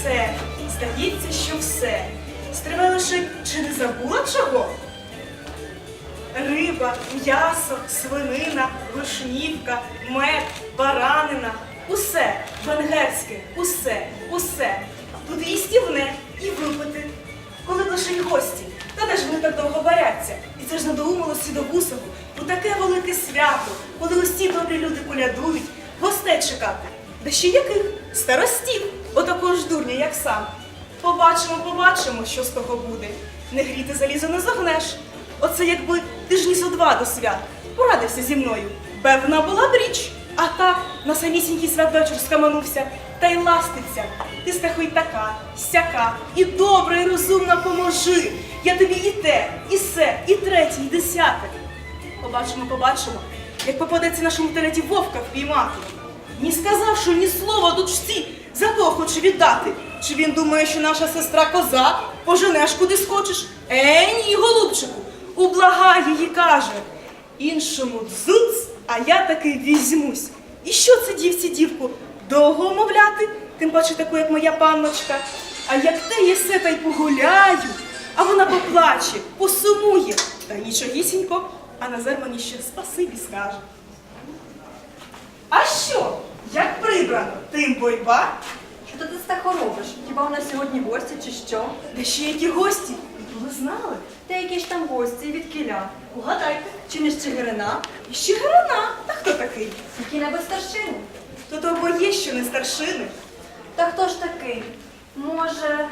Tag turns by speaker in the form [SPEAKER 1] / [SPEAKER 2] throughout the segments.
[SPEAKER 1] все, здається, що все. Стривай лише, чи не забула чого? Риба, м'ясо, свинина, вишнівка, мед, баранина. Усе венгерське, усе, усе. Тут їстівне і випити. Коли б лише й гості, та де ж вони так довго варяться? І це ж надоумило Сідовусову у таке велике свято, коли усі добрі люди колядують, гостей чекати. Да ще яких? Старостів, отакого ж дурня, як сам. Побачимо, побачимо, що з того буде. Не гріти залізо не загнеш. Оце якби тижні зо два до свят. Порадився зі мною. Певна була б річ. А так, на самісінький святвечір скаманувся, та й ластиться. Ти, Стехо, й така, сяка, і добра, і розумна поможи. Я тобі і те, і се, і третє, і десяте. Побачимо, побачимо, як попадеться нашому теляті вовка впіймати. Ні сказавши ні слова дочці, за кого хоче віддати. Чи він думає, що наша сестра коза, поженеш куди скочиш? Ні, голубчику, ублагай її, каже. Іншому дзуц, а я таки візьмусь. І що це дівці дівку? Довго умовляти? Тим паче таку, як моя панночка. А як те єсе, та й погуляю. А вона поплаче, посумує. Та нічогісінько, а Назар мені ще спасибі скаже. А що? Як прибрано, тим бойба?
[SPEAKER 2] Що ти Стехо робиш? Хіба у нас сьогодні гості чи що?
[SPEAKER 1] Де ще які гості? Ви знали?
[SPEAKER 2] Та які ж там гості від кіля?
[SPEAKER 1] Угадайте.
[SPEAKER 2] Чи не з Чигирина?
[SPEAKER 1] І ще Грина. Та хто такий?
[SPEAKER 2] Які-небудь старшини?
[SPEAKER 1] Тут обоє, що не старшини.
[SPEAKER 2] Та хто ж такий? Може...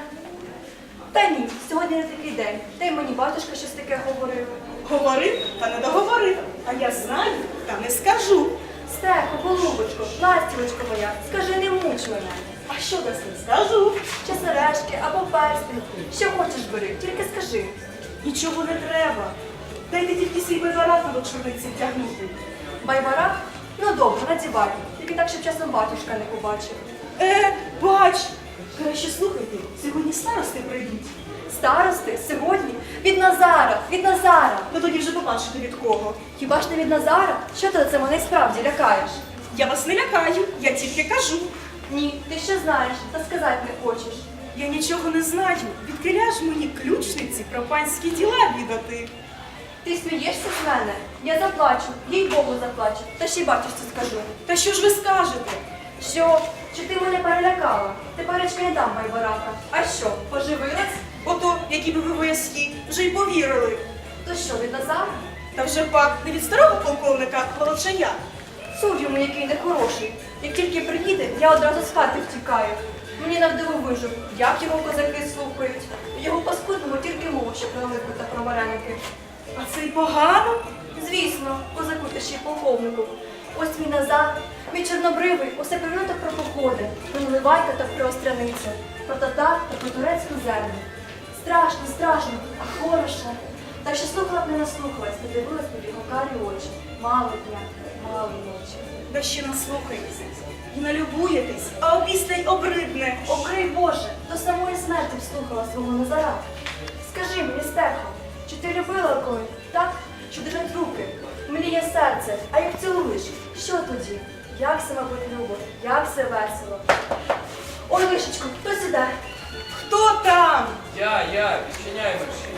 [SPEAKER 2] Та ні, сьогодні не такий день. Та й мені батюшка щось таке говорив.
[SPEAKER 1] Говорив, та не договорив. А я знаю, та не скажу.
[SPEAKER 2] Стехо, голубочко, ластівочко моя, скажи, не муч мене.
[SPEAKER 1] А що дасть не скажу?
[SPEAKER 2] Чи сережки, або перстень. Що хочеш бери, тільки скажи.
[SPEAKER 1] Нічого не треба. Дайте тільки свій байбарат до чорниці тягнути.
[SPEAKER 2] Байбара? Ну добре, надівай. Тільки так, щоб часом батюшка не побачив.
[SPEAKER 1] Бач! Краще слухайте, сьогодні старости прийдуть.
[SPEAKER 2] Старости? Сьогодні? Від Назара! Від Назара!
[SPEAKER 1] Ви тоді вже побачите від кого.
[SPEAKER 2] Хіба ж не від Назара? Що ти це мене справді лякаєш?
[SPEAKER 1] Я вас не лякаю, я тільки кажу.
[SPEAKER 2] Ні, ти що знаєш, та сказати не хочеш.
[SPEAKER 1] Я нічого не знаю. Відкиля ж мені ключниці про панські діла відати.
[SPEAKER 2] Ти смієшся з мене? Я заплачу, їй Богу заплачу, та ще й батюшці скажу.
[SPEAKER 1] Та що ж ви скажете?
[SPEAKER 2] Що? Чи ти мене перелякала? Теперечки не дам байбарака. А що, поживилась?
[SPEAKER 1] Ото, які би ви вояські, вже й повірили.
[SPEAKER 2] То що, від Назара?
[SPEAKER 1] Та вже пак не від старого полковника Волочая.
[SPEAKER 2] Суд йому, який нехороший. Як тільки приїде, я одразу з хати втікаю. Мені навдивовижу, як його козаки слухають. Його паскудному тільки мову, що про липу та про вареники.
[SPEAKER 1] А це й погано?
[SPEAKER 2] Звісно, козаку та ще й полковнику. Ось мій Назар, мій чорнобривий, усе певно про походи, про Наливайка та про Остряницю, про татар та про турецьку землю. Страшно, страшно, а хорошо. Так що слухала б не наслухалась, не дивилась б в його карі очі. Мало дня, мало ночі.
[SPEAKER 1] Да ще наслухаєтеся і налюбуєтесь, а опісля й обридне.
[SPEAKER 2] Окрий Боже, до самої смерті вслухала свого Назара. Скажи мені, Стехо, чи ти любила коли, так? Що держать руки, мліє серце, а як цілуєш, що тоді? Як все, мабуть, любо, як все весело. Ой, лишечко, хтось іде.
[SPEAKER 1] Хто там?
[SPEAKER 3] Я, відчиняй мерщій.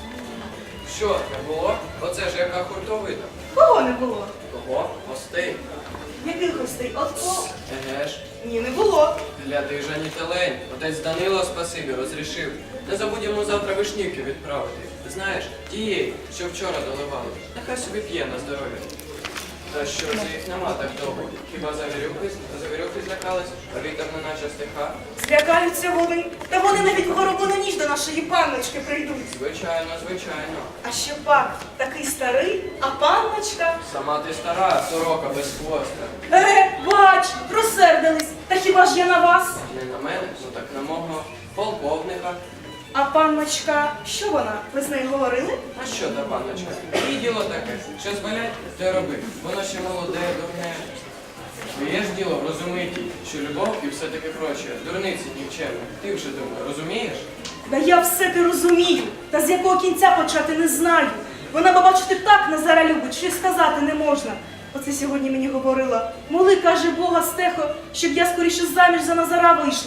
[SPEAKER 3] Що, не було? Оце ж яка хуртовина.
[SPEAKER 1] Кого не було?
[SPEAKER 3] Кого? Гостей.
[SPEAKER 1] Яких гостей? Отко?
[SPEAKER 3] Еге ж.
[SPEAKER 1] Ні, не було.
[SPEAKER 3] Гляди, Жані Телень. Отець Данило спасибі розрішив. Не забудемо завтра вишнівки відправити. Знаєш, тієї, що вчора доливали. Нехай собі п'є на здоров'я. Та що це їх нема так довго? Хіба завірюхи злякались, а вітер не наче стиха?
[SPEAKER 1] Злякаються вони. Та вони навіть в горобину ніч до нашої панночки прийдуть.
[SPEAKER 3] Звичайно, звичайно.
[SPEAKER 1] А ще пак такий старий, а панночка.
[SPEAKER 3] Сама ти стара, сорока без хвоста.
[SPEAKER 1] Бач, розсердились. Та хіба ж я на вас?
[SPEAKER 3] Не на мене, ну так на мого полковника.
[SPEAKER 1] А панночка, що вона? Ви з нею говорили?
[SPEAKER 3] А що та панночка? Її діло таке. Що звалять, те роби. Воно ще молоде, дурне. Твоє ж діло врозумити, що любов і все таке проче. Дурниці нікчемні. Ти вже думай, розумієш?
[SPEAKER 1] Да я все те розумію, та з якого кінця почати не знаю. Вона, бачите, так Назара любить, що й сказати не можна. Оце сьогодні мені говорила. Моли, каже Бога, Стехо, щоб я скоріше заміж за Назара вийшла.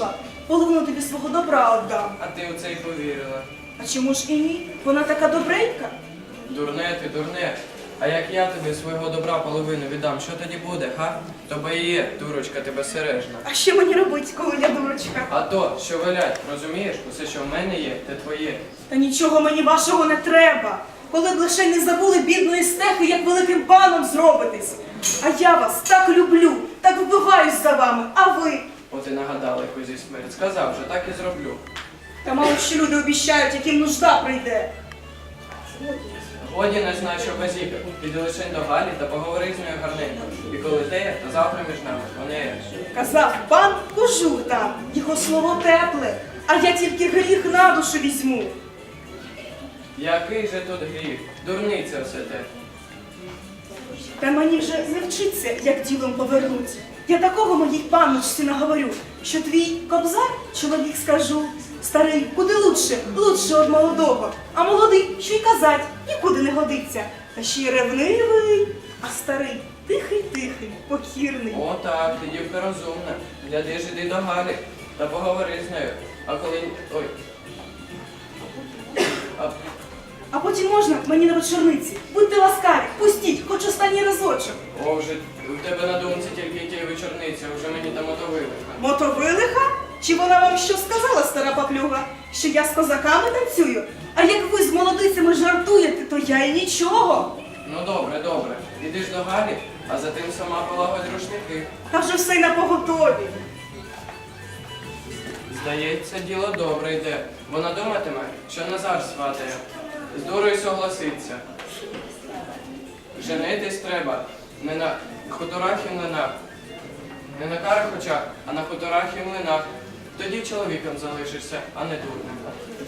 [SPEAKER 1] половину тобі свого добра віддам.
[SPEAKER 3] А ти у це й повірила.
[SPEAKER 1] А чому ж і ні? Вона така добренька.
[SPEAKER 3] Дурне ти, дурне. А як я тобі свого добра половину віддам, що тоді буде, га? То і є, дурочка тебе сережна.
[SPEAKER 1] А що мені робить, коли я дурочка?
[SPEAKER 3] А то, що велять, розумієш, усе, що в мене є, те твоє.
[SPEAKER 1] Та нічого мені вашого не треба. Коли б лише не забули бідної стехи, як великим паном зробитись. А я вас так люблю, так вбиваюсь за вами, а ви?
[SPEAKER 3] От і нагадали козі смерть. Сказав же, так і зроблю.
[SPEAKER 1] Та мало що люди обіщають, яким нужда прийде.
[SPEAKER 3] Годі не знай, що базіка. Піди лише до Галі та поговори з нею гарненько. І коли те, то завтра між нами. Вони.
[SPEAKER 1] Казав пан, кожух там, його слово тепле, а я тільки гріх на душу візьму.
[SPEAKER 3] Який же тут гріх? Дурниця все те.
[SPEAKER 1] Та мені вже не вчиться, як ділом повернуть. Я такого моїй панночці наговорю, що твій кобзар, чоловік скажу, старий, куди лучше, лучше од молодого, а молодий, що й казать, нікуди не годиться. Та ще й ревнивий, а старий тихий-тихий, покірний.
[SPEAKER 3] О, так, ти дівка розумна. Гляди ж іди до Галі та поговори з нею. А коли. Ой.
[SPEAKER 1] А потім можна мені на вечорниці. Будьте ласкаві, пустіть, хоч останній разочок.
[SPEAKER 3] О, вже у тебе на думці тільки ті вечорниці, вже мені там мотовили.
[SPEAKER 1] Мотовилиха? Чи вона вам що сказала, стара паплюга? Що я з козаками танцюю? А як ви з молодицями жартуєте, то я і нічого.
[SPEAKER 3] Ну добре, добре. Іди ж до Галі, а за тим сама полагодь рушники.
[SPEAKER 1] Та вже все й на поготові.
[SPEAKER 3] Здається, діло добре йде. Вона думатиме, що Назар сватає. З дурою согласиться. Женитись треба не на хуторах і млинах. Не на карих очах, а на хуторах і млинах. Тоді чоловіком залишишся, а не дурним.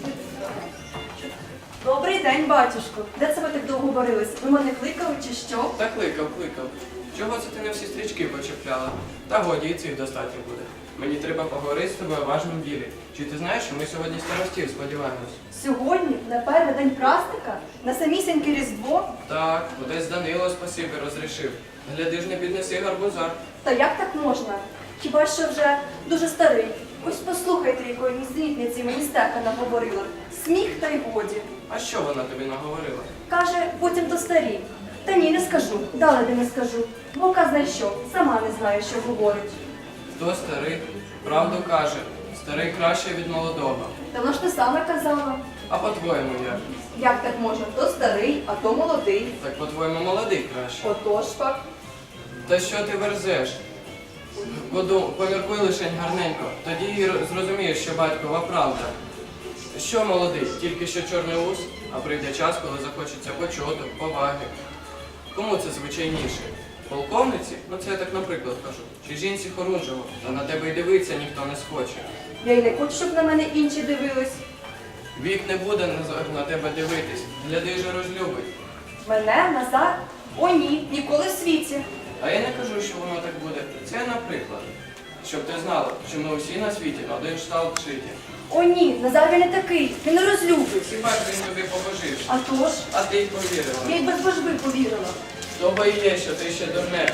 [SPEAKER 2] Добрий день, батюшко. Де це ви так довго борились? Ви мене кликали чи що?
[SPEAKER 3] Та кликав. Чого це ти не всі стрічки почепляла? Та годі, і цих достатньо буде. Мені треба поговорити з тобою у важному ділі. Чи ти знаєш, що ми сьогодні старостів сподіваємось?
[SPEAKER 2] Сьогодні, на перший день праздника, на самісіньке Різдво.
[SPEAKER 3] Так, отець Данило спасибі розрішив. Гляди ж не піднеси гарбуза.
[SPEAKER 2] Та як так можна? Хіба що вже дуже старий. Ось послухайте, якої нісенітниці мені стеха наговорила. Сміх та й годі.
[SPEAKER 3] А що вона тобі наговорила?
[SPEAKER 2] Каже, потім то старі. Та ні, не скажу, далеко не скажу. Бо казна що, сама не знає, що говорить.
[SPEAKER 3] Хто старий? Правду каже. Старий краще від молодого.
[SPEAKER 2] Та вона ж ти саме казала.
[SPEAKER 3] А по-твоєму як?
[SPEAKER 2] Як так можна? То старий, а то молодий.
[SPEAKER 3] Так по-твоєму молодий краще.
[SPEAKER 2] Отож пак.
[SPEAKER 3] Та що ти верзеш? Поміркуй лишень гарненько, тоді і зрозумієш, що батькова правда. Що молодий, тільки що чорний ус, а прийде час, коли захочеться почоток, поваги. Кому це звичайніше? Полковниці? Ну це я так наприклад кажу. Чи жінці хорунжого, та на тебе й дивиться ніхто не схоче.
[SPEAKER 2] Я й не хочу, щоб на мене інші дивились.
[SPEAKER 3] Вік не буде на тебе дивитись, гляди же розлюбить.
[SPEAKER 2] Мене, Назар? О ні, ніколи в світі.
[SPEAKER 3] А я не кажу, що воно так буде. Це наприклад. Щоб ти знала, що ми усі на світі на один шталт шиті.
[SPEAKER 2] О ні, Назар він не такий, він не розлюбить.
[SPEAKER 3] Хіба ж він тобі побожив?
[SPEAKER 2] А то ж,
[SPEAKER 3] А ти й
[SPEAKER 2] я
[SPEAKER 3] повірила.
[SPEAKER 2] й без божби повірила.
[SPEAKER 3] То бо і є, що ти ще дурне.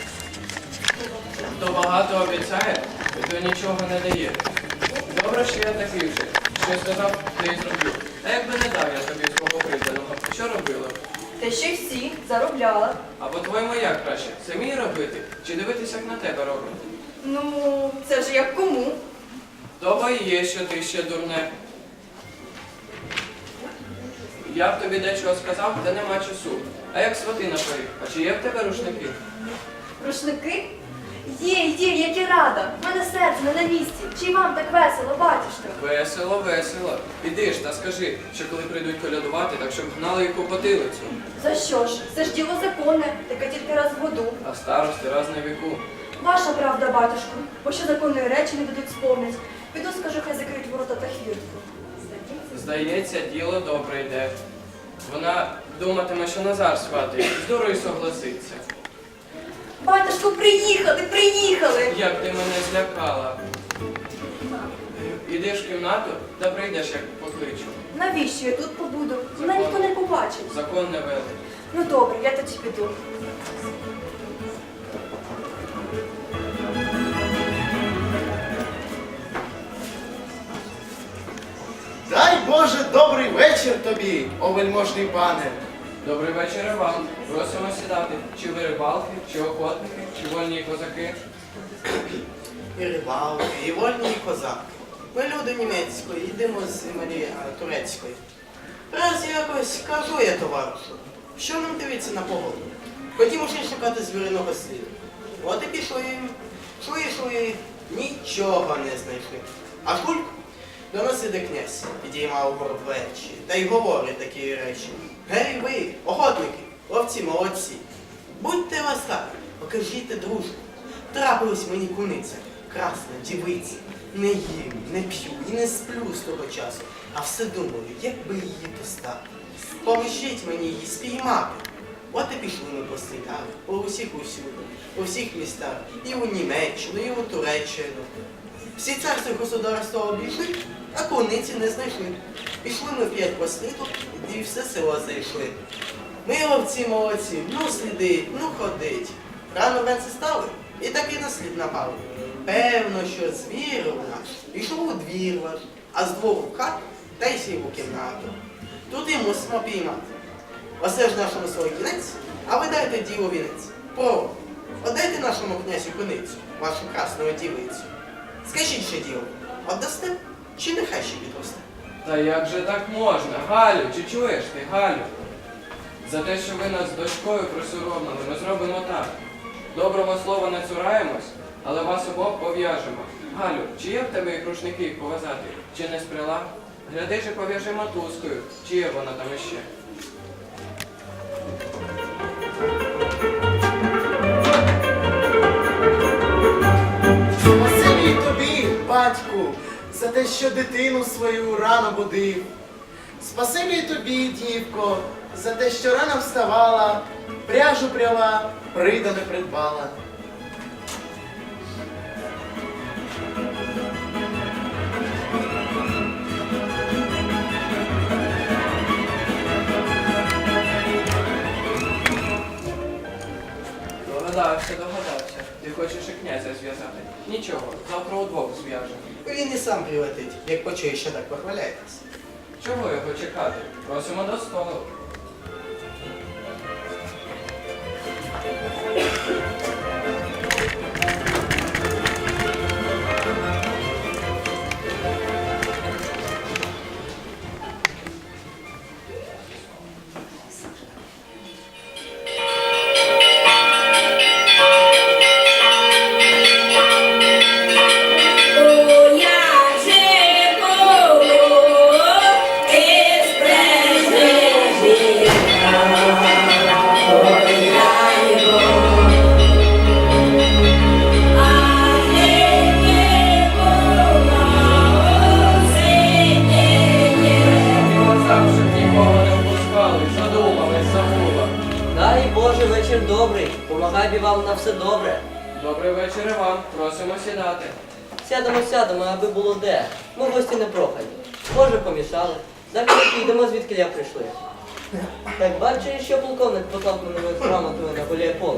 [SPEAKER 3] Хто багато обіцяє, то нічого не дає. Добре, що я такий вже. Що сказав, те й зроблю. А якби не дав я тобі свого признаного, що робила?
[SPEAKER 2] Те ще й всі заробляла.
[SPEAKER 3] А по-твоєму як краще? Самі робити? Чи дивитися, як на тебе роблять?
[SPEAKER 2] Ну, це ж як кому.
[SPEAKER 3] То бо і є, що ти ще дурне. Я б тобі дечого сказав, та нема часу. А як свати на поріг? А чи є в тебе рушники?
[SPEAKER 2] Рушники? Є, як і рада. В мене серце не на місці. Чи й вам так весело, батюшка?
[SPEAKER 3] Весело, весело. Іди ж та скажи, що коли прийдуть колядувати, так щоб гнали їх у потилицю.
[SPEAKER 2] За що ж? Це ж діло законне, таке тільки раз в году.
[SPEAKER 3] А старости раз на віку.
[SPEAKER 2] Ваша правда, батюшко, бо що законної речі не дадуть сповнить. Піду скажу, хай закриють ворота та хвіртку.
[SPEAKER 3] Здається, діло добре йде. Вона думатиме, що Назар сватий, з дурою согласиться.
[SPEAKER 2] Батюшко, приїхали!
[SPEAKER 3] Як ти мене злякала. Ідеш в кімнату та прийдеш, як покличу.
[SPEAKER 2] Навіщо я тут побуду? Мене ніхто не побачить.
[SPEAKER 3] Закон не вели.
[SPEAKER 2] Ну добре, я тоді піду.
[SPEAKER 4] Боже, добрий вечір тобі, о вельможний пане.
[SPEAKER 3] Добрий вечір і вам. Просимо сідати. Чи ви рибалки, чи охотники, чи вольні козаки?
[SPEAKER 5] І рибалки, і вольні і козаки. Ми люди німецької, йдемо з землі турецької. Раз якось кажу я товаришу, що нам дивиться на погоду? Хотімо ще шукати звіриного сліду. От і пішли, йшли, нічого не знайшли. А шульк до нас іде князь, підіймав угору плечі, та й говорить такі речі. Гей ви, охотники, ловці молодці, будьте ласкаві, покажіть дружбу. Трапилась мені куниця, красна дівиця. Не їм, не п'ю і не сплю з того часу, а все думаю, як би її достати. Поможіть мені її спіймати. От і пішли ми по світах, по усіх усюди, по всіх містах, і у Німеччину, і у Туреччину. Всі царства і государства обійшли, а куниці не знайшли. Пішли ми 5 по світу, і все село зайшли. Ми ловці молодці, ну слідить, ну ходить. Рано вранці стали, і таки на слід напали. Певно, що звір у наш пішов у двір ваш, а з двору в хату та й сів у кімнату. Тут і мусимо піймати. Оце ж нашому селі кінець, а ви дайте ділу вінець. Право, отдайте нашому князю куницю, вашу красну дівицю. Скажіть ще діло, отдасте чи нехай ще підросте?
[SPEAKER 3] Та як же так можна? Галю, чи чуєш ти, Галю? За те, що ви нас з дочкою присоромили, ми зробимо так. Доброго слова не цураємось, але вас обох пов'яжемо. Галю, чи є в тебе і рушники їх пов'язати? Чи не сприла? Гляди же пов'яжи мотузкою, чи є вона там іще?
[SPEAKER 4] Спасибі тобі, батьку, за те, що дитину свою рано будив. Спасибі тобі, дівко, за те, що рано вставала, пряжу пряла, придане придбала.
[SPEAKER 3] Догадався. Ти хочеш і князя зв'язати. Нічого, завтра удвох зв'яжемо.
[SPEAKER 5] Він і сам прилетить, як почує, що так похваляєтесь.
[SPEAKER 3] Чого його чекати? Просимо до столу.
[SPEAKER 6] Дай Боже, вечір добрий. Помагай бі вам на все добре.
[SPEAKER 3] Добрий вечір і вам. Просимо сідати.
[SPEAKER 6] Сядемо, аби було де. Ми гості не прохані. Може, помішали. Так ми підемо, звідки я прийшли. Так бачиш, що полковник поклав мене грамотою на голіє поле.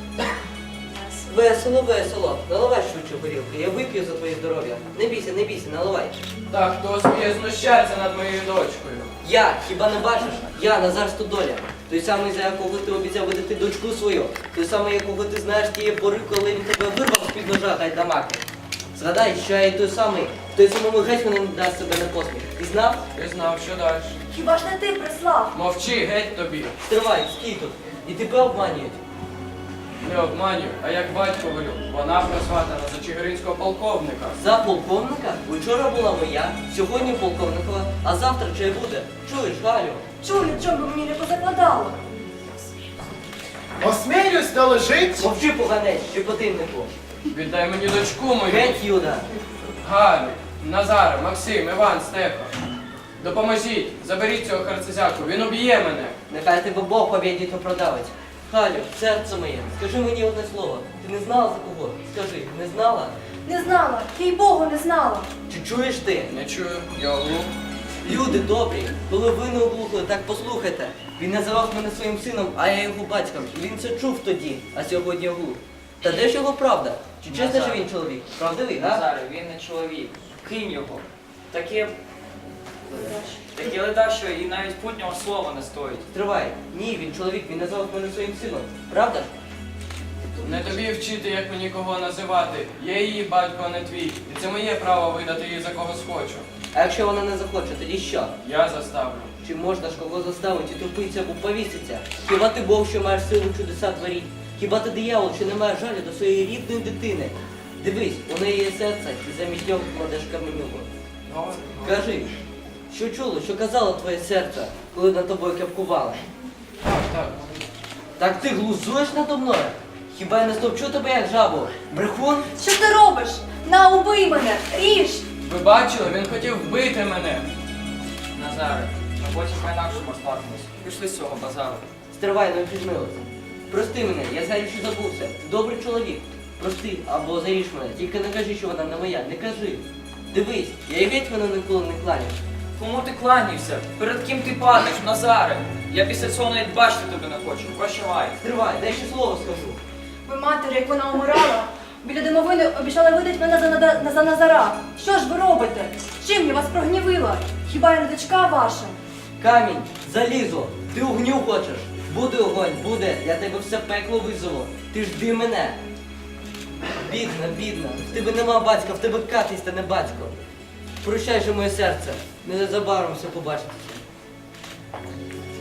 [SPEAKER 6] Весело. Наливай швидше горілки. Я вип'ю за твоє здоров'я. Не бійся, наливай.
[SPEAKER 3] Так, хто сміє знущатися над моєю дочкою?
[SPEAKER 6] Я, хіба не бачиш? Я, Назар Стодоля. Той самий, за якого ти обіцяв видати дочку свою. Той самий, якого ти знаєш тієї пори, коли він тебе вирвав з-під ножа гайдамаки. Згадай, що я і той самий, той самому гетьману не дасть себе на посміх. Ти знав?
[SPEAKER 3] Ти знав, що далі.
[SPEAKER 2] Хіба ж не ти прислав?
[SPEAKER 3] Мовчи, геть тобі.
[SPEAKER 6] Стривай, стій тут. І тебе обманюють.
[SPEAKER 3] Не обманюй, а як батько велю. Вона просватана за чигиринського полковника.
[SPEAKER 6] За полковника? Учора була моя, сьогодні полковникова, а завтра чи буде? Чуєш, Галю?
[SPEAKER 2] Чую, чому би мені не позакладало?
[SPEAKER 4] Осмілюсь доложить.
[SPEAKER 6] Мовчи, поганець, щепотиннику.
[SPEAKER 3] Віддай мені дочку мою.
[SPEAKER 6] Геть, Юда.
[SPEAKER 3] Галю, Назаре, Максим, Іван, Стефа. Допоможіть, заберіть цього харцезяку, він уб'є мене.
[SPEAKER 6] Нехай тебе Бог поб'єдіть та продавить. Галю, серце моє, скажи мені одне слово. Ти не знала за кого? Скажи, не знала?
[SPEAKER 2] Не знала, їй Богу не знала.
[SPEAKER 6] Чи чуєш ти?
[SPEAKER 3] Не чую, я оглух.
[SPEAKER 6] Люди добрі, коли ви не оглухли, так послухайте. Він називав мене своїм сином, а я його батьком. І він це чув тоді, а сьогодні оглух. Та де ж його правда? Чи чесно, що він чоловік? Правдивий, га?
[SPEAKER 7] Назаре, він не чоловік. Кинь його. Таке Такі леда, що і навіть путнього слова не стоїть.
[SPEAKER 6] Тривай. Ні, він чоловік, він назвав мене своїм сином. Правда ж?
[SPEAKER 3] Не тобі вчити, як мені кого називати. Я її батько, а не твій. І це моє право видати її за кого схочу.
[SPEAKER 6] А якщо вона не захоче, тоді що?
[SPEAKER 3] Я заставлю.
[SPEAKER 6] Чи можна ж кого заставити тупиться або повіситься? Хіба ти Бог, що маєш силу чудеса творіть? Хіба ти диявол, що не маєш жалю до своєї рідної дитини? Дивись, у неї є серце, і замість нього кладеш каменюку. Кажи, що чуло, що казало твоє серце, коли над тобою кепкували?
[SPEAKER 3] Так.
[SPEAKER 6] Так ти глузуєш надо мною? Хіба я не стовчу тебе як жабу? Брехун?
[SPEAKER 2] Що ти робиш? На, убий мене! Ріж!
[SPEAKER 3] Ви бачили, він хотів вбити мене.
[SPEAKER 7] Назаре, ми потім по-інакшому сваримось. Пішли з цього базару.
[SPEAKER 6] Стривай, не впізнилася. Прости мене, я знаю, що забувся. Ти добрий чоловік. Прости, або заріж мене. Тільки не кажи, що вона не моя. Не кажи. Дивись, я й геть мене ніколи не кланяв.
[SPEAKER 7] Кому ти кланяєшся? Перед ким ти падаєш, Назаре? Я після цього навіть бачити тебе не хочу. Прощавай.
[SPEAKER 6] Стривай, дай ще слово скажу.
[SPEAKER 2] Ви матері, як вона умирала, біля домовини обіцяли видати мене за Назара. Що ж ви робите? Чим я вас прогнівила? Хіба я не дочка ваша?
[SPEAKER 6] Камінь, залізо, ти огню хочеш. Буде огонь, буде, я тебе все пекло визову. Ти жди мене. Бідна, бідна, в тебе нема батька, в тебе катись та не батько. Прощай же моє серце, незабаром все побачитися.